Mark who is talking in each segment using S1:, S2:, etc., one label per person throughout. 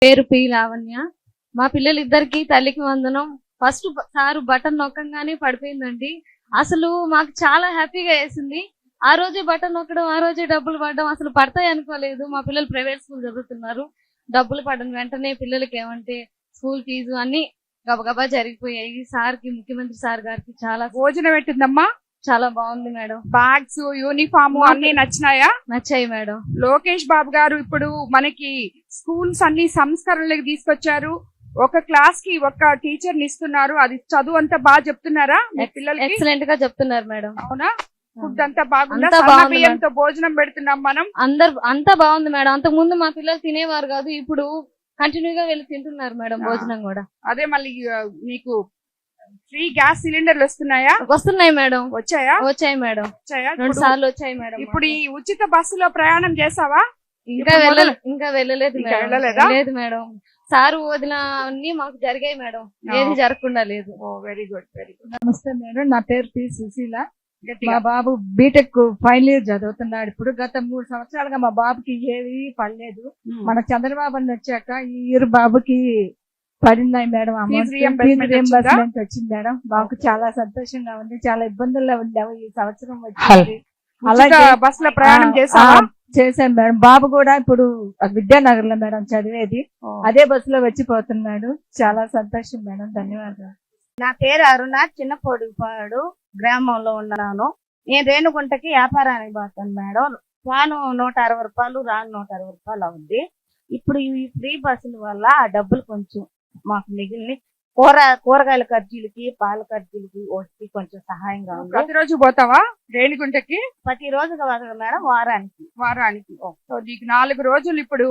S1: పేరు పి లావణ్య. మా పిల్లలిద్దరికి తల్లికి వందనం. ఫస్ట్ సారు బటన్ నొక్కంగానే పడిపోయిందండి. అసలు మాకు చాలా హ్యాపీగా వేసింది. ఆ రోజే బటన్ నొక్కడం, ఆ రోజే డబ్బులు పడడం, అసలు పడతాయి అనుకోలేదు. మా పిల్లలు ప్రైవేట్ స్కూల్ చదువుతున్నారు. డబ్బులు పడిన వెంటనే పిల్లలకి ఏమంటే స్కూల్ ఫీజు అన్ని గబగబా జరిగిపోయాయి. సార్కి, ముఖ్యమంత్రి సార్ గారికి చాలా
S2: భోజనం పెట్టిందమ్మా.
S1: చాలా బాగుంది మేడం.
S2: బ్యాగ్స్, యూనిఫామ్ అన్ని నచ్చినాయా?
S1: నచ్చాయి మేడం.
S2: లోకేష్ బాబు గారు ఇప్పుడు మనకి స్కూల్స్ అన్ని సంస్కరణలకు తీసుకొచ్చారు. ఒక క్లాస్ కి ఒక టీచర్ ని ఇస్తున్నారు. అది చదువు అంతా బాగా చెప్తున్నారా మీ పిల్లలకి?
S1: ఎక్సలెంట్ గా చెప్తున్నారు మేడం.
S2: అవునా? ఫుడ్ అంతా బాగుందా?
S1: అంతా బాగుంది
S2: బియ్యంతో భోజనం పెడుతున్నాం మనం.
S1: అంతా బాగుంది మేడం. అంతకు ముందు మా పిల్లలు తినేవారు కాదు, ఇప్పుడు కంటిన్యూగా వెళ్ళి తింటున్నారు మేడం భోజనం కూడా.
S2: అదే మళ్ళీ మీకు ఫ్రీ గ్యాస్ సిలిండర్లు వస్తున్నాయా?
S1: వస్తున్నాయి మేడం.
S2: వచ్చాయా?
S1: వచ్చాయి మేడం.
S2: 2
S1: సార్లు వచ్చాయి మేడం.
S2: ఇప్పుడు ఈ ఉచిత బస్సులో ప్రయాణం చేసావా?
S1: ఇంకా వెళ్ళలేదు లేదు మేడం. సారు వదిన అన్ని మాకు జరిగాయి మేడం, ఏది జరగకుండా లేదు.
S2: Very good, very good.
S3: నమస్తే మేడం, నా పేరు పి సుశీల. మా బాబు బీటెక్ ఫైనల్ ఇయర్ చదువుతున్నాడు. ఇప్పుడు గత 3 సంవత్సరాలుగా మా బాబుకి ఏవి పడలేదు. మన చంద్రబాబు అని వచ్చాక ఈ ఇయర్ బాబుకి పడినాయి మేడం. అమౌంట్ రీఎంబర్స్మెంట్ వచ్చింది మేడం. మాకు చాలా సంతోషంగా ఉంది. చాలా ఇబ్బందుల్లో ఉండాము ఈ సంవత్సరం వచ్చింది.
S2: అలాగే బస్ లో ప్రయాణం
S3: చేశాను మేడం. బాబు కూడా ఇప్పుడు విద్యానగర్ లో మేడం చదివేది. అదే బస్సులో వచ్చిపోతున్నాడు. చాలా సంతోషం మేడం. ధన్యవాదాలు.
S4: నా పేరు అరుణ. చిన్నపొడిపాడు గ్రామంలో ఉన్నాను. నేను రేణుగుంటకి వ్యాపారానికి పోతాను మేడం. రాను 160 రూపాయలు, రాను 160 రూపాయలు అవుద్ది. ఇప్పుడు ఈ ఫ్రీ బస్సుల వల్ల ఆ డబ్బులు కొంచెం మాకు మిగిలిన కూరగాయల ఖర్చులకి, పాల ఖర్చులకి వచ్చి కొంచెం సహాయంగా ఉంది.
S2: ప్రతిరోజు పోతావా రేణిగుంటకి?
S4: ప్రతిరోజు కాదు మేడం, వారానికి.
S2: సో నీకు 4 రోజులు ఇప్పుడు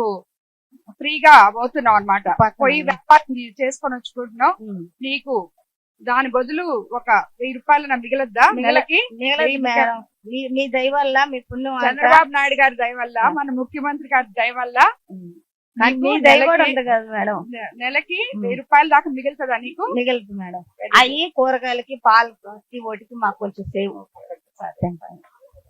S2: ఫ్రీగా పోతున్నావు అనమాట. పోయి వ్యాపారం చేసుకొని వచ్చుకుంటున్నావు. నీకు దాని బదులు ఒక 1000 రూపాయలు మిగలద్దా నెలకి?
S4: మేడం, మీ దయ వల్ల, మీ పుణ్యం,
S2: చంద్రబాబు నాయుడు గారి దయ వల్ల, మన ముఖ్యమంత్రి గారి దయ వల్ల
S4: మీ దయ కూడా ఉంది కదా మేడం.
S2: నెలకి 1000 రూపాయల దాకా మిగులుతుందా నీకు?
S4: మిగులుతుంది మేడం. అవి కూరగాయలకి, పాలకి, ఓటికి మాకు కొంచెం సేవ్.